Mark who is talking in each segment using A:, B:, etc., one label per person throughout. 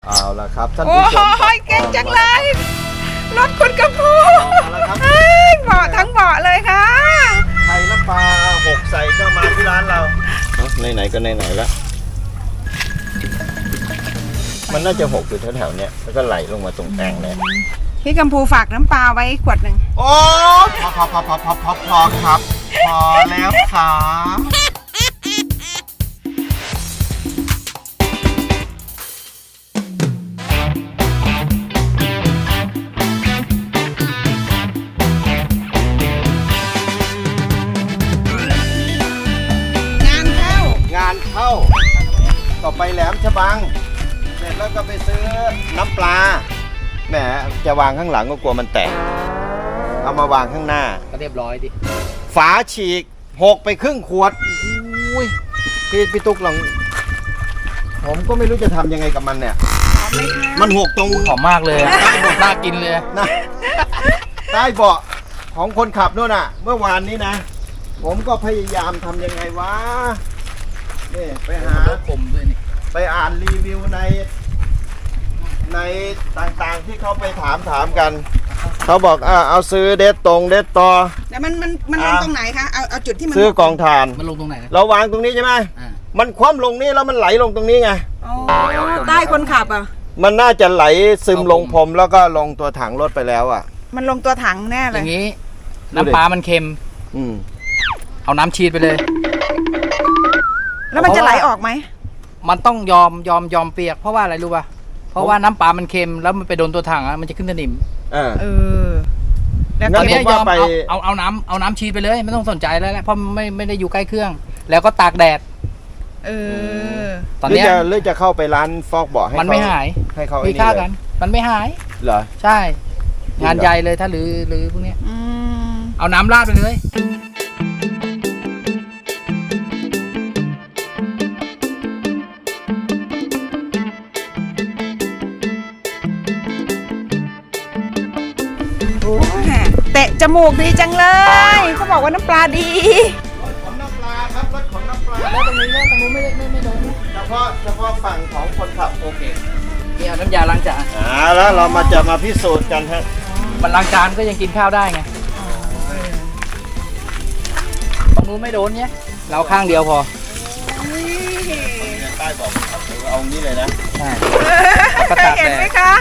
A: เอาละครับท่าน
B: โอ้
A: ผู้ชม
B: ยเก่งจังเลยรถคุณกระพูเบาะทั้งเบาะเลยค่ะ
A: ไข่น้ำปลา6ใส่ก็มาที่ร้านเราไหนๆก็ไหนๆแล้วมันน่าจะ6อยู่แถวๆเนี้ยแล้วก็ไหลลงมาตรงแอ่งเลย
B: พี่กัมพูฝากน้ำปลาไว้ขวดหนึ่ง
A: โอ้พอครับพอแล้วครับงานเข้าต่อไปแหลมฉบังเสร็จแล้วก็ไปซื้อน้ำปลาแหมจะวางข้างหลังก็กลัวมันแตกเอามาวางข้างหน้า
C: ก็เรียบร้อยดิ
A: ฝาฉีก6ไปครึ่งขวดอุ้ยพี่ตุ๊กลองผมก็ไม่รู้จะทำยังไงกับมันเนี่ยมัน6ตรง
C: หอมมากเลยน่ากินเลย
A: นะใต้เบาะของคนขับนู่นน่ะเมื่อวานนี้นะผมก็พยายามทำยังไงวะนี่ไปหา
C: ผมด้วยนี่
A: ไปอ่านรีวิวในต่างๆที่เขาไปถามกันเขาบอกเอาซื้อเด็ดตรงเด็ดต่อ
B: แล้วมันลงตรงไหนคะเอาจุดที่มัน
A: ซื้อกองถ่าน
C: มันลงตรงไหน
A: เราวางตรงนี้ใช่ไหมมันคว่ำลงนี่แล้วมันไหลลงตรงนี้ไง
B: ใต้คนขับอ่ะ
A: มันน่าจะไหลซึมลงพรมแล้วก็ลงตัวถังรถไปแล้วอ่ะ
B: มันลงตัวถังแน่เลย
C: อย่างนี้น้ำปลามันเค็มเอาน้ำชีดไปเลย
B: แล้วมันจะไหลออกไหม
C: มันต้องยอมเปียกเพราะว่าอะไรรู้ป่ะเพราะว่าน้ำปลามันเค็มแล้วมันไปโดนตัวถังมันจะขึ้นสนิม
B: แล้ว
C: ตอนนี้ยอมเอาน้ำชีดไปเลยไม่ต้องสนใจแล้วแหละเพราะไม่ได้อยู่ใกล้เครื่องแล้วก็ตากแดด
A: ตอนนี้เลือกจะเข้าไปร้านฟอกเบาะให้
C: มันไม่หาย
A: ให้เขา
C: มีค่ากันมันไม่หาย
A: เหรอ
C: ใช่งานใหญ่เลยถ้าหรือพวกนี้เอาน้ำราดไปเลย
B: เตะจมูกดีจังเลยเขาบอกว่าน้ำปลาดี
A: รถขนน้ำปลาครับรถขนน้ำปลาแล้วตรงนี้ไม่โดนเฉพาะฝั่งของคนขับโอเค
C: นี่เอาน้ำยาล้างจาน
A: แล้วเราจะมาพิสูจน์กันฮะ
C: มันล้างจานก็ยังกินข้าวได้ไงตรงนู้นไม่โดนเนี่ยเราข้างเดียวพอ
A: ใต้บอกเอางี้เลยนะ
C: ใช่
B: เห็นไหมคะ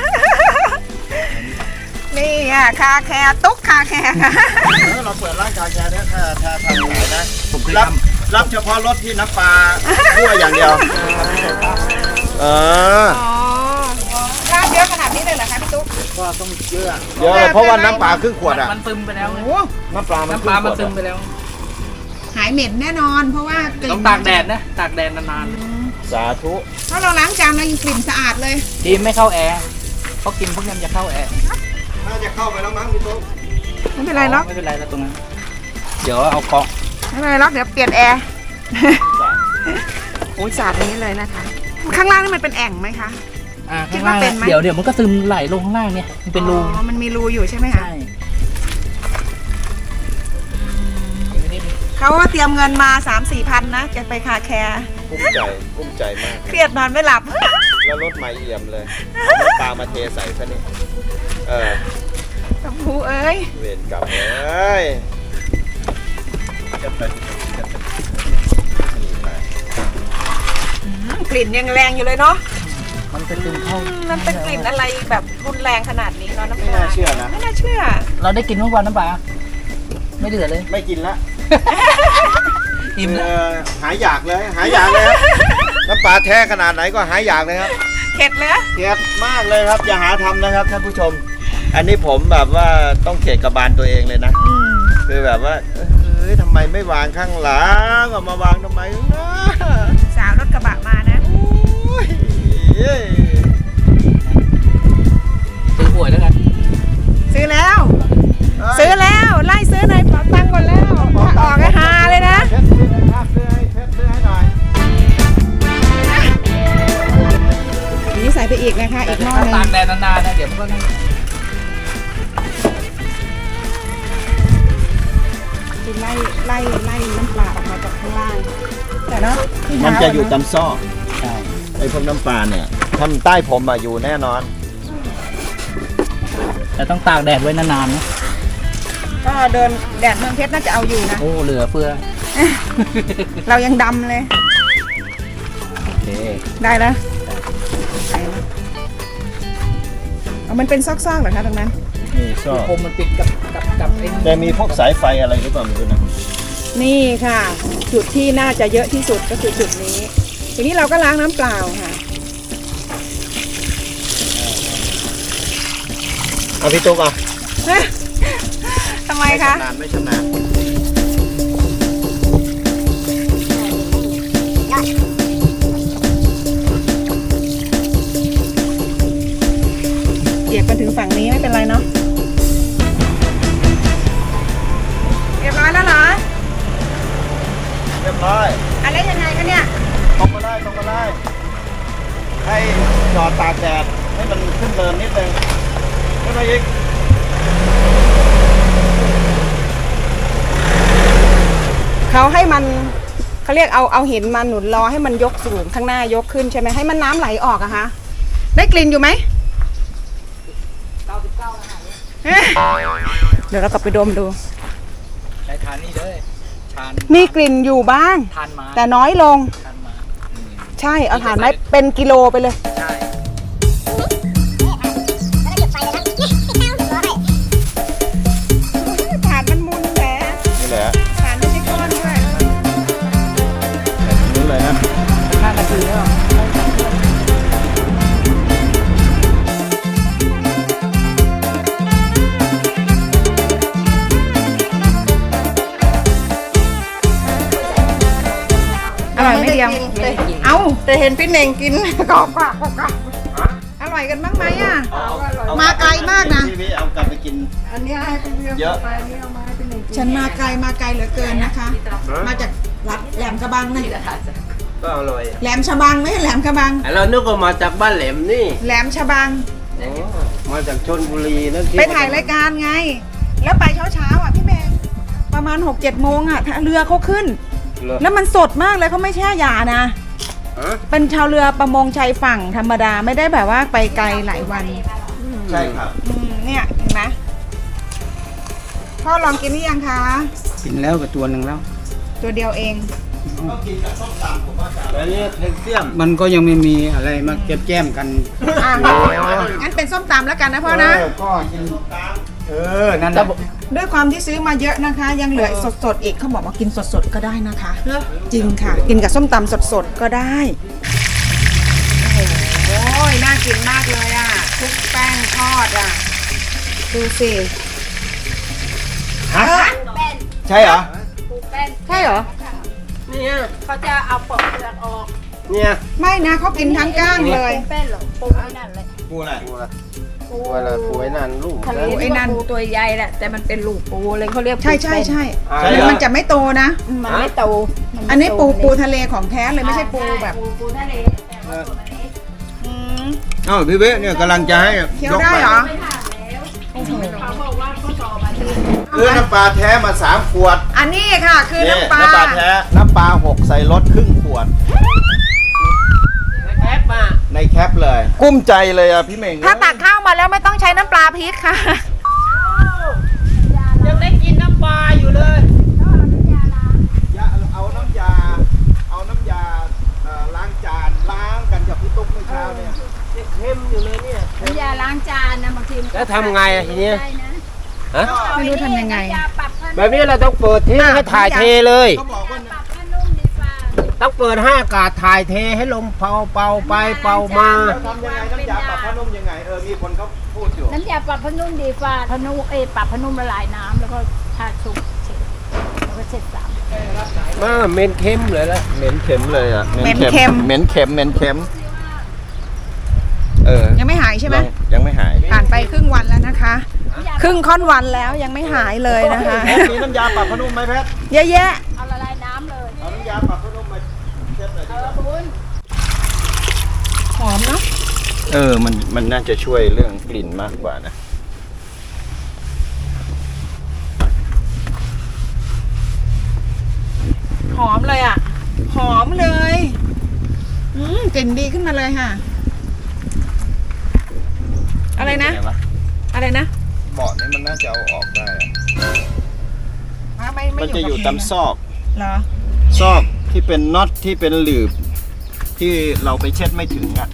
B: นี่อ่ะคาแคร์ตุ๊กคาแคร์ค่ะ
A: เราเปิดร้านคาแคร์เนี่ยถ้าทำขายนะรับเฉพาะรถที่น้ำปลาทั่วอย่างเดียว
B: ราดเยอะขนาดนี้เลยเหรอคะพี่ตุ๊ก
C: ก็ต้องเยอะ
A: เลยเพราะว่าน้ำปลาครึ่งขวดอ่ะ
C: มันซึมไปแล้ว
A: น้ำปลา
C: มันซึมไปแล้ว
B: หายเหม็นแน่นอนเพราะว่า
C: ต้องตากแดดนะตากแดดนาน
A: ๆสาธุ
B: เพราะเราล้างจานเรายังกลิ่นสะอาดเลย
C: ทีไม่เข้าแอร์เพราะกินพวกนี้จะเข้าแอร์
A: น่าจะเข้าไปแล้วมั้งพี่ตุ๊ก
B: ไม่เป็นไรหรอก
C: ไม่เป็นไรแล้วตรงนั้นเดี๋ยวเอาเกาะ
B: ไม่เป็นไรหรอกเดี๋ยวเปลี่ยนแอร์โอ้ยสาดนี้เลยนะคะข้างล่างนี่มันเป็นแอ่งไหมคะ
C: คิดว่าเป็นไหมเดี๋ยวมันก็ซึมไหลลงข้างล่างเนี่ยมันเป็นรู
B: มันมีรูอยู่ใช่ไหมคะเขาว่าเตรียมเงินมา 3-4 พันนะจะไปคาแคร์
A: กุ้มใจมาก
B: เครียดนอนไม่หลับ
A: แล้วรถใหม่เอี่ยมเลยปลามาเทใส่ซะนี่
B: กัมพูเอ้ย
A: เวรกรรมเอ้ย
B: กลิ่นยังแรงอยู่เลยเนาะ
C: มันเป็นกลิ่นเข้า
B: มันเป็นกลิ่นอะไรแบบรุนแรงขนาดนี้เนาะน้ำปลา
A: ไม่น่าเชื่อนะ
B: ไม่น่าเชื่อ
C: เราได้กินทุกวันน้ำปลาไม่เดือดเลย
A: ไม่กินละ
C: อิ่ม
A: หายอยากเลยน้ำปลาแท้ขนาดไหนก็หายอยากเลยครับ
B: เข็ดเลย
A: เข็ดมากเลยครับอย่าหาทำนะครับท่านผู้ชมอันนี้ผมแบบว่าต้องเข็ดกระบาลตัวเองเลยนะคือแบบว่าทำไมไม่วางข้างหลังออกมาวางทำไมนะ
B: สาวรถกระบะมานะ
C: ซื้อหวยแล้วกัน
B: ซื้อแล้วไล่ซื้อในเป๋าตังค์ก่อนแล้วออกฮาเลยนะ
A: ซื้อให้หน่อย
B: นี่ใส่ไปอีกนะคะอีกหม้อนึง
C: ตากแดดนานๆนะเดี๋ยวมันก็
B: ไล่น้ำปลาออกมาจากข้างล่างแต่เนาะ
A: มันจะอยู่ตามซอก
C: ใช่
A: ไอ้พวกน้ำปลาเนี่ยทำใต้ผมมาอยู่แน่นอน
C: แต่ต้องตากแดดไว้นานๆนะ
B: ก็เดินแดดเมืองเพชรน่าจะเอาอยู่นะ
C: โอ้เหลือเฟือ
B: เรายังดำเลย
C: โอเค
B: ได้แล้วได้แล้วเอามันเป็นซอกๆเหรอคะตรงนั้น
A: นี่ก็
C: คมมันปิดกับไอ้
A: แต่มีพวกสายไฟอะไรหรือเปล่าไม่รู้นะ
B: นี่ค่ะ จุดที่น่าจะเยอะที่สุดก็คือจุดนี้ ทีนี้เราก็ล้างน้ำเปล่าค่ะ
A: เอาพี่ตุ๊กเอา
B: ทำไมคะ
A: ชำนาญไม่ชำนาญ
B: เหยียบมาถึงฝั่งนี้ไม่เป็นไรเนาะเรียบร้อยแล้วเหรอ
A: เรียบร้อย
B: อะไรยังไงกันเนี่ย
A: ตรงมาได้ตรงมาได้ ให้จอดตากแดดให้มันขึ้นเนินนิดนึงขึ้นมาอีก
B: เขาให้มันเขาเรียกเอาหินมาหนุนรอให้มันยกสูงข้างหน้ายกขึ้นใช่ไหมให้มันน้ำไหลออกอะคะได้กลิ่นอยู่ไหม เดี๋ยวเรากลับไปดมดู
C: ใช้ทานนี่เลยทาน
B: มีกลิ่นอยู่บ้าง
C: ทานมา
B: แต่น้อยลง
C: ทานมา
B: ใช่เอาถ่านไม้เป็นกิโลไปเลย
C: ใช่
B: ถ่านมันมุนแหละ
A: นี่แหละ
B: ถ่านไม่ใช่ก้อนด้วย
A: นู้นเลยนะ
C: 5 นาทีแล้ว
B: อร่อยไม่เดียวเอาแต่เห็นพี่เน่งกิน กรอบอร่อยกันบ้างไหมอ่ะ มาไกลมากนะ
A: พี่เอากลับไปกิน
B: อันนี้ให้เป็นเรื่อง
A: เยอะ
B: ไปนี่เอามาให้เป็นหนึ่งฉันมาไกลเหลือเกินนะคะ มาจากรัฐแหลมกระบังนะ
D: ก็อร่อย
B: แหลมฉบังไม่ใช่แหลมกระบัง
D: เรานึกว่ามาจากบ้านแหลมนี่
B: แหลมฉบัง
D: อ๋อมาจากชลบุรีนั่นที่
B: ไปถ่ายรายการไง แล้วไปเช้าอ่ะพี่แมงประมาณ 6-7 โมงอ่ะเรือเขาขึ้น
D: เหรอ
B: แล้วมันสดมากเลยเขาไม่แช่ยานะ
D: ฮะ
B: เป็นชาวเรือประมงชายฝั่งธรรมดาไม่ได้แบบว่าไปไกลหลายวัน
A: ใช่ครับ
B: เนี่ยเห็นไหมพ่อลองกินหรือยังคะ
C: กินแล้วกับตัวหนึ่งแล้ว
B: ตัวเดียวเอง
D: แล้วนี่แคลเซียม
C: มันก็ยังไม่มีอะไรมาแก้มกัน
B: อ่ะงั้นเป็นส้มตำแล้วกันนะพ่อนะ
C: ก็กินนั่นแหละ
B: ด้วยความที่ซื้อมาเยอะนะคะ ยังเหลือสดๆอีกเขาบอกว่ากินสดๆก็ได้นะคะ จริงค่ะ กินกับส้มตำสดๆก็ได้ โอ้โหน่ากินมากเลยอ่ะคลุกแป้งทอดอ่ะ ดูสิ
A: ฮะ ใช่เหรอ
B: ใช่เหรอ
D: เนี่ย
E: เขาจะเอาปอกเปลือกออก
D: เนี่ย
B: ไม่นะเขากินทั้งก้างเลย
E: แป้นหรอปูไอ้นั่นเลย
A: กูอะไร
D: ปูละปูอะไรปูไอ้นั่นลูก
E: ทะเล
D: นั่น
B: ไอ้นั่น
E: ปูตัวใหญ่แหละแต่มันเป็นลูกปูเลยเขาเรียก
B: ใช่ใช่ใช่
D: อ่า
A: ใช่เหร
B: แล้วมันจะไม่โตนะ
E: มันไม่โตมั
B: อันนี้ปูทะเลของแท้เลยไม่ใช่ปูแบบ
E: ปูทะเลแต่ว่าตัวนี้
B: อืม
A: อ้าวพี่เว้เนี่ยกำลังจะให้
B: เคี้ยวได้เหรอ
E: ไม่ผ่านแล้วเขาบอกว่าเขาต่อมาที่
A: คือน้ำปลาแท้มา3 ขวด
B: อันนี้ค่ะคือ
A: นี่
B: น้ำปลา
A: น้ำปลาแท้น้ำปลา6ใส่รถครึ่งขวด
D: แอปมา
A: ในแคปเลย กุ้มใจเลยอ่ะพี่เม่ง
B: ถ้าตักข้าวมาแล้วไม่ต้องใช้น้ำปลาพริกค่ะ
D: ยังได้กินน้ำปลาอยู่เลย
A: เอาน้ำยาล้างจานล้างกันกับพี่ตุ๊กเมื่อเช้าเนี่ย
D: เค็มอยู่เลยเนี่ย
E: น้ำยาล้างจานนะบางทีมันก็
D: แล้วทำไงอะทีเนี้ย
E: ได้นะ
D: ฮะ
B: ไม่รู้ทำยังไง
E: น้ำยาปรับผ้า
D: แบบนี้เราต้องเปิดทิ้งให้ถ่ายเทเลย
A: เขาบอกว่า
E: ปรับผ้านุ่มดีฟ้า
D: ต้องเปิดให้อากาศถ่ายเทให้ลมเป่าไปเป่ามา
A: ทำยังไงน้ำยาปรับผ้านุ่มยังไงมีคนเขาพูดอยู่
E: น้ำยาปรับผ้านุ่มดีฟ้าผ้านุ่มปรับผ้านุ่มละลายน้ำแล้วก็ทาชุบเช็ดแล้วก็เช็ดสาม
D: มาเมนเค็มเลยละ
A: เหม็นเข็มเลยอ่ะ
B: เหม็นเค็ม
A: เหม็นเข็ม
B: ยังไม่หายใช่ไหม
A: ยังไม่หาย
B: ผ่านไปครึ่งวันแล้วนะคะ ครึ่งค่อนวันแล้วยังไม่หายเลยนะคะ
A: มีน้ำยาปรับผ้านุ่มไหมแพท
B: เยอะแยะ
E: เอาละลายน้ำเลย
A: เอาน้ำยาปรับผ้านุ่มมาเช็ดหน่อยดิ
E: คุณ
B: หอมเนาะ
A: มันน่าจะช่วยเรื่องกลิ่นมากกว่านะ
B: หอมเลยอ่ะ หอมเลยกลิ่นดีขึ้นมาเลยค่ะ อะไรนะ
A: เป็งว
B: อะไรนะ
A: เบาะนี่มันน่าจะเอาออกได้อะ
B: ไม่
A: มันจะอยู่
B: กับ
A: ตามซอก
B: เหรอ
A: ซอกที่เป็นน็อตที่เป็นหลืบที่เราไปเช็ดไม่ถึงอ่ะ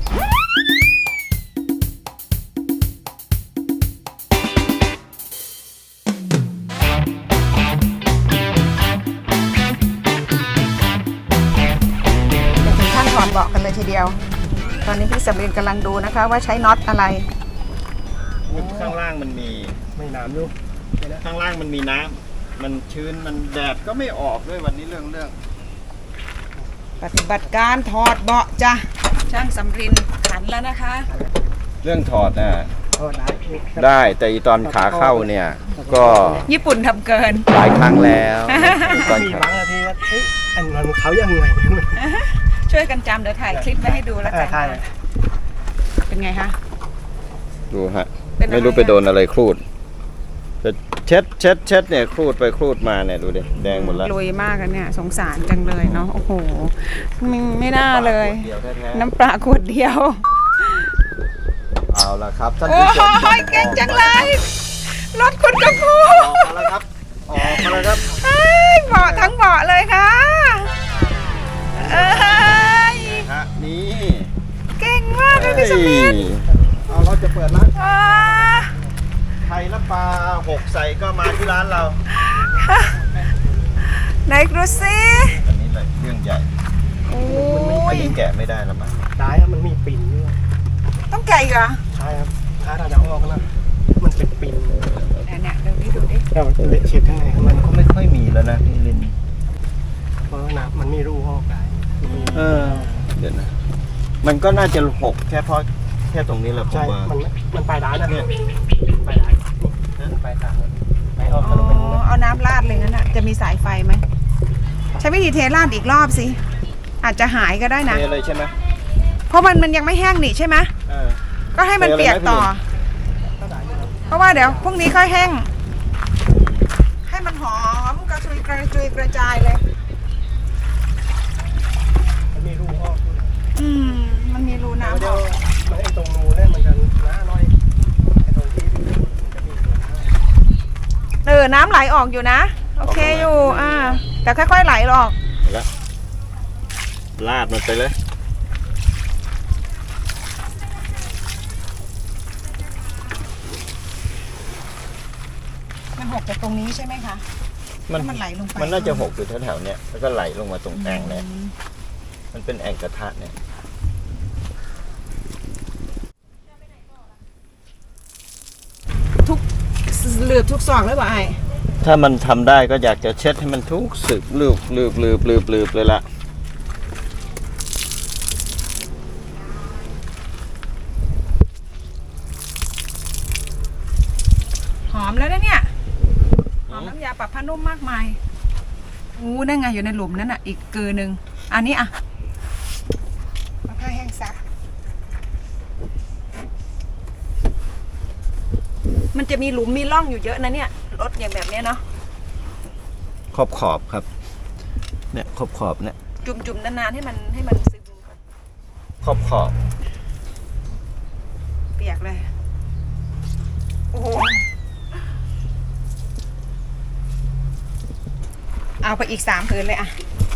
B: จะถึงขั้นถอดเบาะกันเลยทีเดียว ตอนนี้พี่สำเร็จกำลังดูนะคะ ว่าใช้น็อตอะไร
A: ข้างล่างมันมี
D: ไม่น้ำดู
A: ข้างล่างมันมีน้ำมันชื้นมันแดดก็ไม่ออกด้วยวันนี้เรื่อง
B: ปฏิบัติการถอดเบาะจ้ะช่างสำรินขันแล้วนะคะ
A: เรื่องถอดน่ะ
D: โทษนะ
A: ได้แต่อีตอนขาเข้าเนี่ย ก็
B: ญี่ปุ่นทำเกิน
A: หลายครั้งแล้วตอน
D: มี
A: ขา
D: บางนาทีว่าเอ้ยอันมันเขายังไง
B: ช่วยกันจำเดี๋ยวถ่ายคลิปไว้ให้ดูแล้วกัน
D: ใช่เลย
B: เป็นไงคะ
A: ดูฮะ
B: เป็นอะไร
A: ไม่รู้ไปโดนอะไรครูดจะเช็ดเนี่ยครูดไปครูดมาเนี่ยดูดิแดงหมดแล้ว
B: ลุยมากกันเนี่ยสงสารจังเลยเนาะโอ้โหไม่น่าเลย
A: เดียวแท้ๆ
B: น้ำปลาขวดเดียว
A: เอาละครับท่าน
B: โอ้
A: ผู้ชม
B: ยเก่งจังเลยรถคุณกระพู
A: ออกมาแล้วครับออกมาแล้วครับ
B: เฮ้ยเบาะทั้งเบาะเลยค่ะเอ้ย
A: ฮะนี่
B: เก่งมากเลยพี่สมิธ
A: เอาเราจะเปิดร้าน
B: อ่า
A: ไทยน้ำปลาหกใส่ก็มาที่ร้านเรา
B: ไหนดูสิ
A: อันนี้เลยเรื่องใหญ่
B: โอ้
A: อัน
B: ย
A: นี้แกะไม่ได้แล้วมั้ง
D: ได้ครับมันมีปิ่นด้วย
B: ต้องแกะอีกเหรอ
D: ใช่ครับถ้าเราจะออกนะมันเป็นปิ่น
B: เนี่ยดูดิดูดิ
D: เราเละเช็ดข้างในมัน
A: ก็ไม่ค่อยมีแล้วนะพี่ลิน
D: เพราะน้ำมันมีรูออกได้มี
A: เดี๋ยวนะ มันก็น่าจะหกแค่เพราะแค่ตรงนี้แหละผม
D: ใช่
A: ว่า
D: มันไปได้นะ
A: เนี่ย
D: ไปได้ไปตามไปออก
B: อ๋
D: ทะลุไป
B: อเอาน้ำราดเลยงั้นอ่ะจะมีสายไฟไหมใช้วิธีเทราดอีกรอบสิอาจจะหายก็ได้นะ
A: เทเลยใช่ไหม
B: เพราะมันยังไม่แห้งนี่ใช่ไหม
A: เออ
B: ก็ให้มันเปียกต่อ เพราะว่าเดี๋ยวพรุ่งนี้ค่อยแห้ง ให้มันหอมกระจุยกระจายเลย
D: มันมีรูออกด้วย
B: มันมีรูน้ำ
D: เดี๋
B: อ
D: ยว
B: อก
D: มันไอ้ตรงรูเนี่ยมันจะน้าน้อยไอ้ตรงที่มันจะมีตัวน้า
B: น้ำไหลออกอยู่นะ โอเคอยู่แต่ค่อยๆไหลออก
A: แล้วลาดมันไปเลย
B: มันหกจากตรงนี้ใช่ไหมคะ มันไหลลงไป
A: มันน่าจะหกอยู่แถวๆเนี้ยแล้วก็ไหลลงมาตรงแอ่งเนี่ยมันเป็นแอ่งกระทะเนี่ย
B: ทุกเหลือบทุกซอกเลยป่ะไอ้
A: ถ้ามันทำได้ก็อยากจะเช็ดให้มันทุกสึกลืบเลยละ
B: หอมแล้วนะเนี่ยหอมน้ำยาปรับผ้านุ่มมากมายนั่นไงอยู่ในหลุมนั่นอ่ะอีกเกลือหนึ่งอันนี้เอาผ้าแห้งซักมันจะมีหลุมมีร่องอยู่เยอะนะเนี่ยรถอย่างแบบเนี้ยเนาะ
A: ขอบครับเนี่ยขอบเนี่ย
B: จุ่มๆนานๆให้มันซึมก่อน
A: ขอบ
B: เปียกเลยโอ้โหเอาไปอีก3 ผืนเลยอะ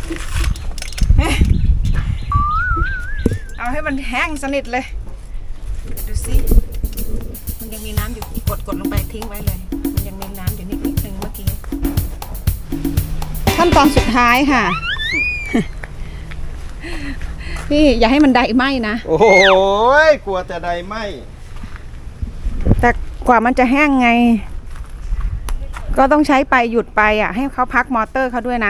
B: เอาให้มันแห้งสนิทเลยดูสิมันยังมีน้ำอยู่กดลงไปทิ้งไว้เลยมันยังมีน้ำอยู่นิดนึงเมื่อกี้ขั้นตอนสุดท้ายค่ะ พี่อย่าให้มันไดไหม้นะ
A: โอ้ยกลัวแต่ใดไหม
B: แต่กว่ามันจะแห้งไง ก็ต้องใช้ไปหยุดไปอ่ะให้เขาพักมอเตอร์เขาด้วยนะ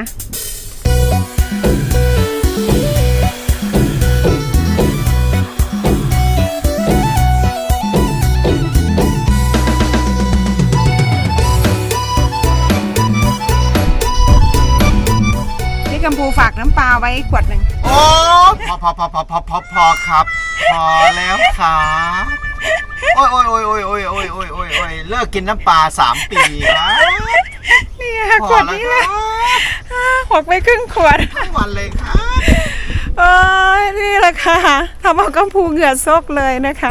B: พี่กัมพูฝากน้ำปลาไว้ขวดหนึ่ง
A: โอ้พอครับ พอแล้วครับโอ้ยเลิกกินน้ำปลา3 ปีครับ
B: เนี่ยขวดนี้แหละหกไปครึ่งขวด
A: ทั้งวันเลยครับ
B: โอ้ยนี่แหละค่ะทำเอากัมพูเหงื่อซกเลยนะคะ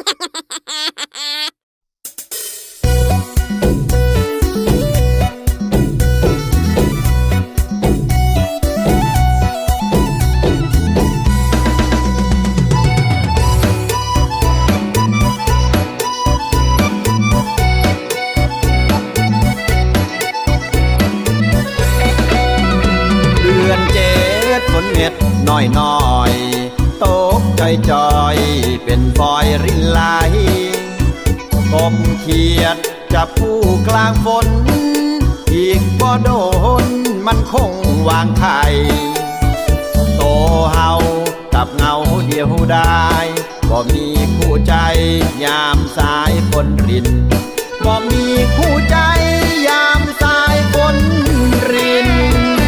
A: เดือนเจ็ดฝนเม็ดน้อยน้อยตกจอยจอยเป็นฟอยรินไหลกบเขียดจับผู้กลางฝน อีกบ่โดนมันคงวางไข่โตเฮากับเงาเดียวได้บ่มีคู่ใจยามสายฝนรินบ่มีคู่ใจยามสายฝนริน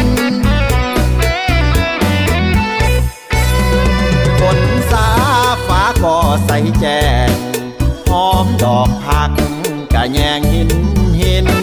A: ฝนสาฟ้าก็ใสแจ้งหอมดอกผักกะแยงหิน